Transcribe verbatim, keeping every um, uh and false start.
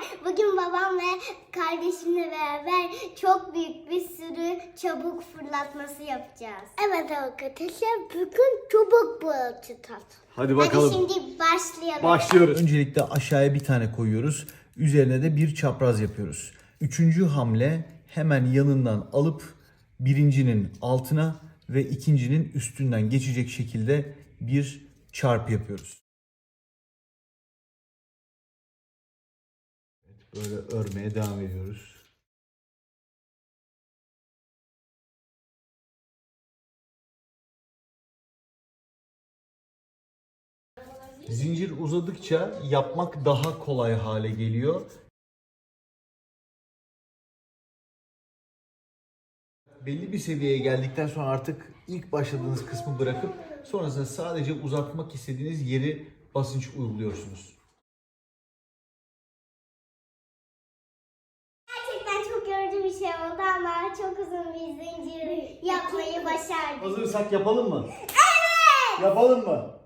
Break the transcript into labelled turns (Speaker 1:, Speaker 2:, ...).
Speaker 1: Bugün babam ve kardeşimle beraber çok büyük bir sürü çubuk fırlatması yapacağız. Evet arkadaşlar, bugün çubuk fırlatacağız.
Speaker 2: Hadi bakalım.
Speaker 1: Hadi şimdi başlayalım.
Speaker 2: Başlıyoruz.
Speaker 3: Öncelikle aşağıya bir tane koyuyoruz. Üzerine de bir çapraz yapıyoruz. Üçüncü hamle hemen yanından alıp birincinin altına ve ikincinin üstünden geçecek şekilde bir çarp yapıyoruz.
Speaker 2: Böyle örmeye devam ediyoruz. Zincir uzadıkça yapmak daha kolay hale geliyor. Belli bir seviyeye geldikten sonra artık ilk başladığınız kısmı bırakıp sonrasında sadece uzatmak istediğiniz yeri basınç uyguluyorsunuz.
Speaker 1: Gerçekten çok yorucu bir şey oldu ama çok uzun bir zincir yapmayı başardık.
Speaker 2: Hazırsak yapalım mı? Evet! Yapalım mı?